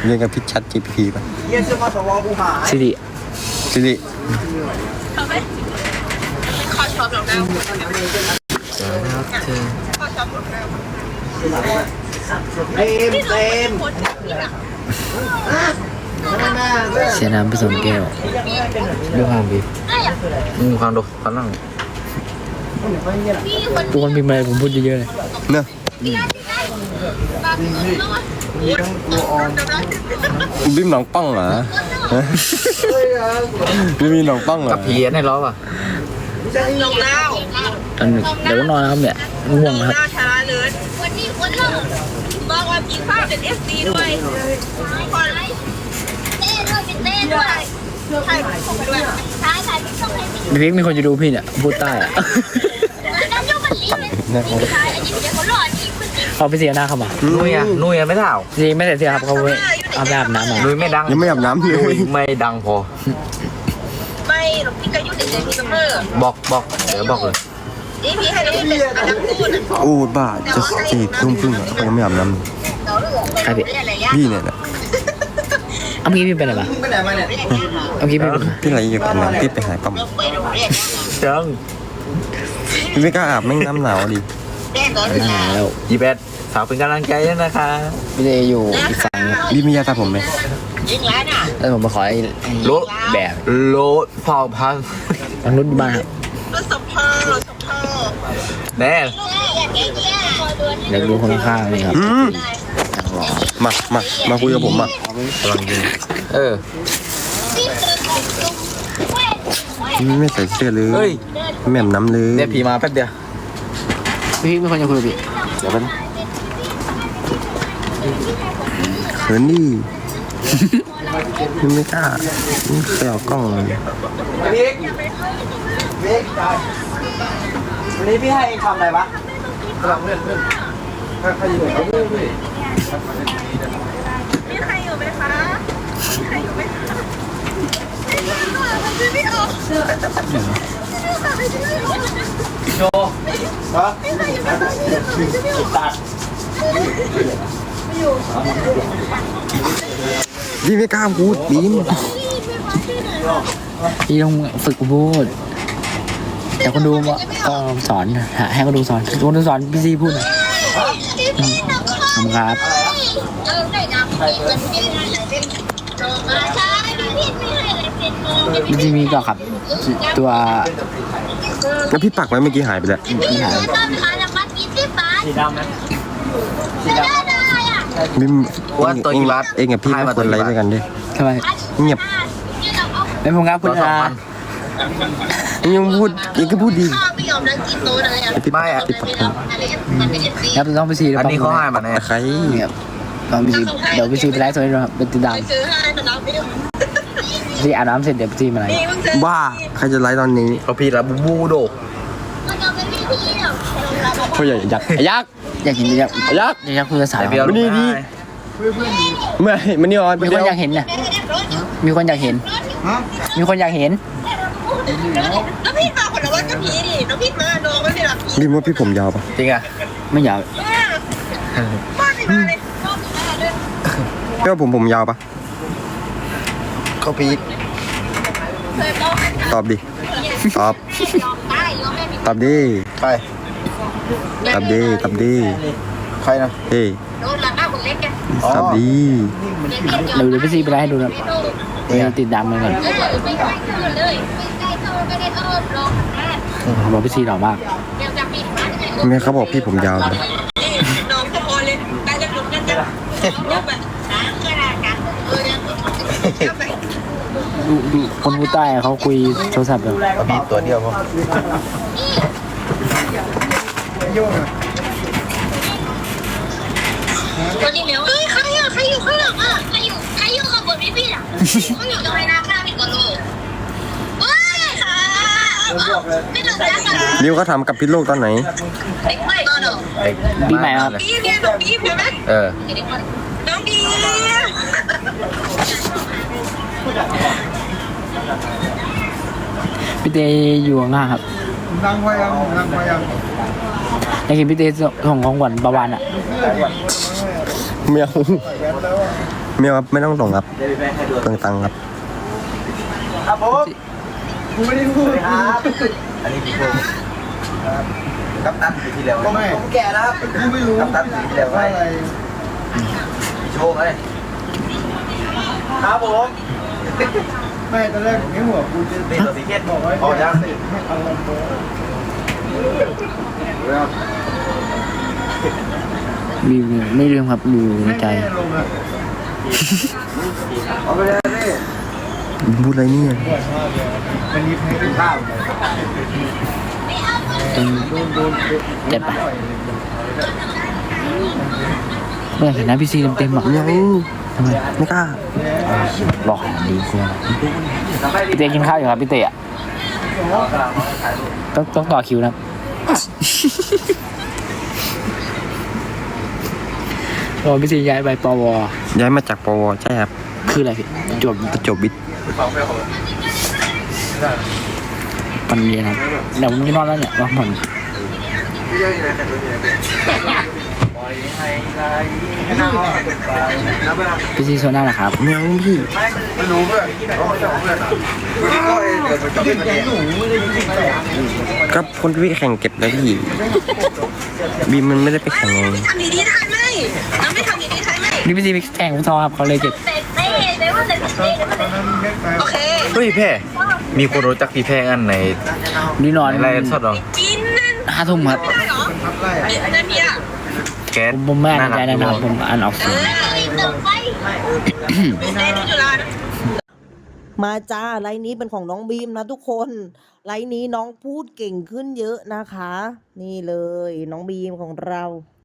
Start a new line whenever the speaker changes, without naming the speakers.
เรียนกับพิชชัด GPT ป่ะ
สิริ
เขาไม่ขอชอบหรอกนะขอชอบหรอกนะเต็ม
เสียน้ำผสมแก้วดูความดี
ความดูความนั่ง
ทุกคนพิมพ์อะไรผมพูดเยอะๆเลย
เนอะบิมหนองป้องเหรอไม่มีหนองป้องเหรอ
กับเพียนให้ล้อป่ะ
ลงแล้ว
เดี๋ยวก็นอนนะครับเนี่ยง่วงครับ
ช้าเลยวันนี้คนเราบอกว่ากินข้าวเป็น FC ด้วยคนเต้ด้วยเป็นเต้ด้วยใช่ผมด้วยใช่ใช่ต้องให้
พี่พิกมีคนจะดูพี่เนี่ยพูดใต้อะเขาไปเสียหน้าเขามา
นุ้ยไม่เท่า
จริงไม่ใส่เสื้อครับเขาไปอาบน้ำ
นุ้ยไม่ดัง
ยังไม่อาบน้ำเลย
ไม่ดังพอ
ไม่หรอกพี่ก็ยุ่งเด็กๆมีเสมอ
บอกเดี๋ยวบอกเลย
นี่พี่ให้เราเป็นอันดับพูด
โอ้บ้าจะ4 ทุ่มครึ่งอ่ะยังไม่อาบน้
ำใคร
พี่เนี่ยแหละ
เอาพี่ไปไหนมาเอาพี่ไป
พี่อะไรอยู่กันนะพี่ไปหายปั๊ม
จัง
พี่ไม่กล้าอาบไม่น้ำหนาวดิ
แล้ว
21ฝากเป็นกำลังใจด้วยนะคะ
พี่เลยอยู่อีกฝั่ง
พี่มียาตาผมไหม
แล้วผมมาขอ
รถ
แบบ
รถพอพัง
ทางรถบ้านครับ
รถสภา
แน่
เด็กดูคนข้างนี่ครับ
มาคุยกับผมอ่ะ
กำลังดี
ไม่ใส่เสื้อเลยแม่มน้ำเลย
เนี่ยผีมาแป๊บเดียว
พี่ไม่ควรจะคุยกับพี่
เดี๋ยวมัน
เขินดิไม่กล้าไม่เคยเอากล้องเลย
วันนี้พี่ให้เองทำอะไรวะกำลังเลื่อนใครอยู่ไหน
มีใครอยู่ไหมคะมีใครอยู่ไหมคะไม่ออก
โชว์ฮะตัด
พี่ไม่กล้าพูดบีม
พี่ต้องฝึกพูดแต่คนดูก็สอนให้คนดูสอนพี่ซีพูดครับพี่ซีมีก็ครับตัว
แล้วพี่ปักไว้เมื่อกี้หายไปแล้ว
สีดำไหม
บิม
ว่าตัวกี่บาท
เองกับพี่ไม่ควรไลฟ์ด้วยกันดิ
ทำไม
เงียบ
ไม่ผมครับคุณ
ยังพูดยังก็พูดดี
ไม่อะ
ครับต้องไปซี
อันนี้เขาให้มาแน่
ใคร
เนี่ยต้องไปซีเดี๋ยวไปซีไปไลฟ์สดให้ดูครับเป็นติดตามซีอาบน้ำเสร็จเดี๋ยวไปซีมาไลฟ์
บ้าใครจะไลฟ์ตอนนี้
เขาพีดแล้วบูโด
เขาอยากอยากเห็น
คุยภาษา
ไม่ดีดีไม่มันนี่ออน
มีคนอยากเห็นน่ะมีคนอยากเห็น
น้องพี่มาคนละวันกับพี่ดิน้องพี่มาน้องไม่ได้หลับ
พี่ว่าพี่ผมยาวปะ
จริงอ่ะ
ไม่ยาว
มาเลย
พี่ว่าผมยาวปะ
เขาพีด
ตอบดิตอบดิ
ใคร
ตอบดิ
ใครนะ
เฮ้ยตอบดิ
เดี๋ยวไปซีไปไลฟ์ให้ดูนะติดดำเลยก่อนบอกพี่ซีหล่อมาก
แม่เขาบอกพี่ผมยาว
น้องพอเลยได้จะหลุดกัน
ดูคนผู้ใต้เขาคุยโทรศัพท์แบบ
มีตัวเดียวพอ
ตัวนี้แล้วใครอยู่ข้างหลังอ่ะใครอยู่กับบทพี่อ่ะเขาอยู่ตรงไหนนะข้างพี่ก็รู้
ดิวเขาทำกับพิษโลกตอนไหน
ปีใหม่ครับ
ปีเนี่ยน้องบีใช่ไหมน้องบี
พี่เตอยู่ข้างหน้าครับ
นั่งพยัง
อยากเห็นพี่เตส่งของขวัญประวานอ่ะ
ไม่เอาไม่ครับไม่ต้องส่งครับ
เดี๋ยวไปให้ดู
เปลืองตังค์ครับ
ครับผมกูไม่ได้พูดครับอันนี้พี่โชว์กัปตันปีที่แล้วผมแก่แล้วครับกูไม่รู้กัปตันปีที่แล้วว่าอะไรพี่โชว์ไงครับผมไม่ตอนแรกไม่หัวกูจะตีตัวสีเขียวบอกไว้อ๋อยังไม่เอาลงโบแล้ว
มีไม่ลืมครับดูในใจ
เอาไปเลยนี่
พูดอะไรเนี่ย
มันมีเพลงเป็นข้าว
เจ็บปะไม่อยากเห็นหน้าพี่ซีเต็มๆหรอก
ยัง
ทำไม
ไม่กล้า
หลอกดีกว่าพี่เตกินข้าวอยู่ครับพี่เตะต้องต่อคิวนะครับโอ้พี่ซีย้ายไปปว
ย้ายมาจากปวใช่ครับ
คืออะไรพี่จบ
ประจวบวิทย์
ปันเย็นครับเดี๋ยวผมจะนอนแล้วเนี่ยว่าผ่อนพี่ซีโซน่าเหรอครับ
ยังพี่
ไม่รู้เพื่อนเขาไม่จะเพื่อนอ่ะก็เองเกิดมาจากเป็นหนูไม่ได้ยิงใส่
ก็คนที่แข่งเก็บนะพี่บีมมันไม่ได้ไปแข่งไง
ทำดีๆทันไหมน้องไม่ทำดีๆทันไหม
นี่พี่ซีไปแข่งฟุตซอลครับเขาเลยเก็บ
เตะเตะเตะว่าเตะเตะโอเค
เฮ้ยแพ่มีคนรู้จักพี่แพ่อันไหน
นี่นอน
ในไลน์สดเหรอ
กินนั่น
5 ทุ่มครับ
ได้เหรอนั่นเนี่ย
แก๊ส
ผมไม่อ่านใจ
รั
นะครับผมอ่านออก
เอ
เสียง
อเติมไปเต้นอยู่ร้าน
มาจ้าไลน์นี้เป็นของน้องบีมนะทุกคนไลน์นี้น้องพูดเก่งขึ้นเยอะนะคะ นี่เลยน้องบีมของเรา